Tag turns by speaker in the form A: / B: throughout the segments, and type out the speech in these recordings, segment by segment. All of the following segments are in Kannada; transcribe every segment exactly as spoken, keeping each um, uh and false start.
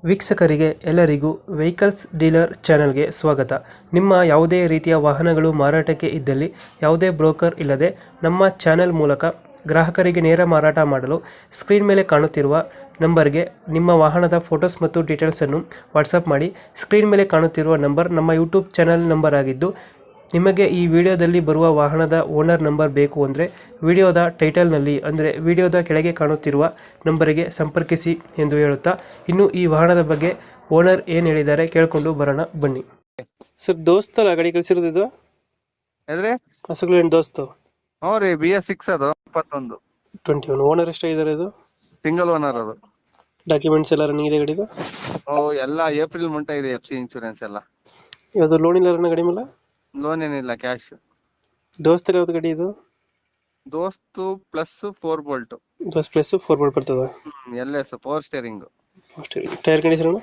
A: ವೀಕ್ಷಕರಿಗೆ ಎಲ್ಲರಿಗೂ ವೆಹಿಕಲ್ಸ್ ಡೀಲರ್ ಚಾನೆಲ್ಗೆ ಸ್ವಾಗತ. ನಿಮ್ಮ ಯಾವುದೇ ರೀತಿಯ ವಾಹನಗಳು ಮಾರಾಟಕ್ಕೆ ಇದ್ದಲ್ಲಿ ಯಾವುದೇ ಬ್ರೋಕರ್ ಇಲ್ಲದೆ ನಮ್ಮ ಚಾನೆಲ್ ಮೂಲಕ ಗ್ರಾಹಕರಿಗೆ ನೇರ ಮಾರಾಟ ಮಾಡಲು ಸ್ಕ್ರೀನ್ ಮೇಲೆ ಕಾಣುತ್ತಿರುವ ನಂಬರ್ಗೆ ನಿಮ್ಮ ವಾಹನದ ಫೋಟೋಸ್ ಮತ್ತು ಡೀಟೇಲ್ಸನ್ನು ವಾಟ್ಸಪ್ ಮಾಡಿ. ಸ್ಕ್ರೀನ್ ಮೇಲೆ ಕಾಣುತ್ತಿರುವ ನಂಬರ್ ನಮ್ಮ ಯೂಟ್ಯೂಬ್ ಚಾನೆಲ್ ನಂಬರ್ ಆಗಿದ್ದು, ನಿಮಗೆ ಈ ವಿಡಿಯೋದಲ್ಲಿ ಬರುವ ವಾಹನದ ಓನರ್ ನಂಬರ್ ಬೇಕು ಅಂದರೆ ವಿಡಿಯೋದ ಟೈಟಲ್ನಲ್ಲಿ ಅಂದರೆ ವಿಡಿಯೋದ ಕೆಳಗೆ ಕಾಣುತ್ತಿರುವ ನಂಬರಿಗೆ ಸಂಪರ್ಕಿಸಿ ಎಂದು ಹೇಳುತ್ತಾ, ಇನ್ನು ಈ ವಾಹನದ ಬಗ್ಗೆ ಓನರ್ ಏನು ಹೇಳಿದ್ದಾರೆ ಕೇಳಿಕೊಂಡು ಬರೋಣ ಬನ್ನಿ. ಸರ್, ದೋಸ್ತಲ್ಲ ಗಾಡಿ ಕಳಿಸಿರೋದು?
B: ಎದ್ರಿ
A: ಹಸುಗಳು ಏನು ದೋಸ್ತು?
B: ಹ್ಞೂ ರೀ, ಬಿ ಎಸ್ ಸಿಕ್ಸ್ ಅದು ಇಪ್ಪತ್ತೊಂದು
A: ಟ್ವೆಂಟಿ ಒನ್. ಓನರ್ ಎಷ್ಟಾಗಿದ್ದಾರೆ ಇದು?
B: ಸಿಂಗಲ್ ಓನರ್ ಅದು.
A: ಡಾಕ್ಯುಮೆಂಟ್ಸ್ ಎಲ್ಲ ರನ್ನಿಂಗ್ ಇದೆ ಗಾಡಿದು?
B: ಓ ಎಲ್ಲ ಏಪ್ರಿಲ್ ಮುಂಟ ಇದೆ, ಎಫ್ ಸಿ ಇನ್ಶೂರೆನ್ಸ್ ಎಲ್ಲ.
A: ಯಾವುದು ಲೋನ್ ಇಲ್ಲ ರನ್ನ ಗಾಡಿ ಮೇಲೆ?
B: ಲೋನ್ ಏನಿಲ್ಲ, ಕ್ಯಾಶ್.
A: ದೋಸ್ತರ ಯಾವ್ದು ಗಾಡಿ ಇದು?
B: Dost plus four bolt.
A: Dost plus four bolt ಬರ್ತದೆ.
B: L S power steering.
A: Tyre condition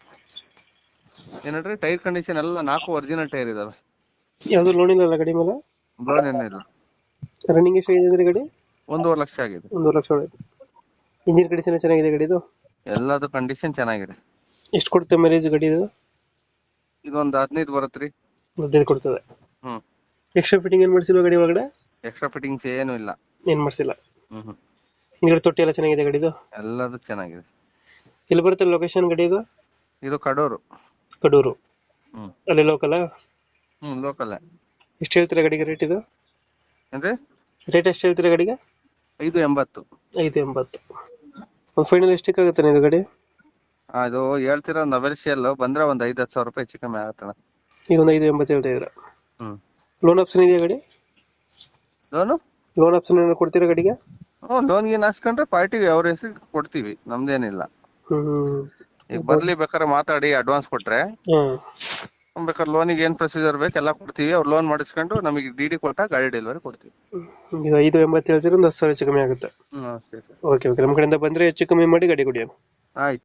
B: ಏನಂದ್ರೆ ಟೈರ್ ಕಂಡೀಷನ್ ಎಲ್ಲ ನಾಲ್ಕು ಒರಿಜಿನಲ್ ಟೈರ್ ಇದಾವೆ.
A: ಯಾವುದು ಲೋನ್ ಇಲ್ಲ ಗಾಡಿ ಮೇಲೆ?
B: ಲೋನ್ ಏನಿಲ್ಲ.
A: ರನ್ನಿಂಗ್ ಎಷ್ಟಾಗಿದೆ ಗಾಡಿ?
B: ಒಂದೂವರೆ ಲಕ್ಷ ಆಗಿದೆ.
A: ಒಂದೂವರೆ ಲಕ್ಷ ಒಳಗೆ. ಇಂಜಿನ್ ಕಂಡೀಷನ್ ಚೆನ್ನಾಗಿದೆ ಗಾಡಿದು?
B: ಎಲ್ಲದು ಕಂಡೀಷನ್ ಚೆನ್ನಾಗಿದೆ.
A: ಎಷ್ಟು ಕೊಡುತ್ತೆ ಮೈಲೇಜ್ ಗಾಡಿ ಇದು?
B: ಇದೊಂದು ಹದಿನೈದು ಬರುತ್ತೆ ರೀ.
A: ಹದಿನೈದು ಕೊಡ್ತದೆ.
B: ಹ್ಮ್.
A: ಎಕ್ಸ್ಟ್ರಾ ಫಿಟ್ಟಿಂಗ್ ಏನು ಮಾಡಿಸಿಲ್ವ ಗಾಡಿ ಒಳಗಡೆ?
B: ಎಕ್ಸ್ಟ್ರಾ ಫಿಟ್ಟಿಂಗ್ಸ್ ಏನು ಇಲ್ಲ.
A: ಏನು ಮಾಡಿಸಿಲ್ಲ.
B: ಹ್ಮ್ ಹ್ಮ್.
A: ಹಿಂದ್ಗಡೆ ತೊಟ್ಟಿ ಎಲ್ಲ ಚೆನ್ನಾಗಿದೆ ಗಾಡಿದು?
B: ಎಲ್ಲದು ಚೆನ್ನಾಗಿದೆ.
A: ಎಲ್ಲಿ ಬರುತ್ತೆ ಲೊಕೇಶನ್ ಗಾಡಿ ಇದು?
B: ಇದು ಕಡೂರು.
A: ಕಡೂರು.
B: ಹ್ಮ್.
A: ಅಲ್ಲಿ ಲೋಕಲ್?
B: ಹ್ಮ್, ಲೋಕಲ್.
A: ಎಷ್ಟು ಹೇಳ್ತೀರಾ ಗಾಡಿಗೆ ರೇಟ್ ಇದು?
B: ಅಂದ್ರೆ
A: ರೇಟ್ ಎಷ್ಟು ಹೇಳ್ತೀರಾ ಗಾಡಿಗೆ?
B: ಐದು ಎಂಬತ್ತು.
A: ಐದು ಎಂಬತ್ತು. ಒಂದು ಫೈನಲ್ ಎಷ್ಟಕ್ಕೆ ಆಗುತ್ತೆ ಇದು ಗಾಡಿ?
B: ಅದು ಹೇಳ್ತಿರೋ ನವೆಲ್ಶಿಯಲ್ ಬಂದ್ರೆ ಒಂದ್ ಐದ್ ಹತ್ತು ಸಾವಿರ ರೂಪಾಯಿ ಹೆಚ್ಚು ಕಮ್ಮಿ ಆಗತ್ತಣ.
A: ಈಗ ಒಂದು ಐದು ಎಂಬತ್ತು ಹೇಳ್ತಾ ಇದ್ದೀರಾ?
B: ಹ್ಮ್.
A: ಲೋನ್ ಆಪ್ಷನ್ ಇದೆಯಾ ಗಾಡಿ?
B: ಲೋನು
A: ಲೋನ್ ಆಪ್ಷನ್ ಏನಾದ್ರು ಕೊಡ್ತೀರಾ ಗಾಡಿಗೆ?
B: ಹ್ಮ್, ಲೋನ್ ಗೀನ್ ಹಾಕ್ಸ್ಕೊಂಡ್ರೆ ಪಾರ್ಟಿಗೆ ಅವ್ರ ಹೆಸರಿಗೆ ಕೊಡ್ತೀವಿ, ನಮ್ದೇನಿಲ್ಲ.
A: ಹ್ಮ್.
B: ಈಗ ಬರ್ಲಿ ಬೇಕಾದ್ರೆ ಮಾತಾಡಿ ಅಡ್ವಾನ್ಸ್ ಕೊಟ್ರೆ
A: ಹ್ಮ್.
B: ಬೇಕಾದ್ರೆ ಲೋನಿಗೆ ಏನ್ ಪ್ರೊಸೀಜರ್ ಬೇಕು ಎಲ್ಲ ಕೊಡ್ತೀವಿ. ಅವ್ರು ಲೋನ್ ಮಾಡಿಸ್ಕೊಂಡು ನಮಗೆ ಡಿ ಡಿ ಕೊಟ್ಟ ಗಾಡಿ ಡೆಲಿವರಿ ಕೊಡ್ತೀವಿ.
A: ಈಗ ಐದು ಎಂಬತ್ತು ಹೇಳ್ತೀರಾ, ಒಂದು ಹತ್ತು ಸಾವಿರ ಹೆಚ್ಚು ಕಮ್ಮಿ ಆಗುತ್ತೆ.
B: ಹ್ಮ್, ಅಷ್ಟೇ ಸರ್.
A: ಓಕೆ ಓಕೆ, ನಮ್ಮ ಕಡೆಯಿಂದ ಬಂದರೆ ಹೆಚ್ಚು ಕಮ್ಮಿ ಮಾಡಿ ಗಾಡಿ ಕೊಡಿ.
B: ಆಯ್ತು.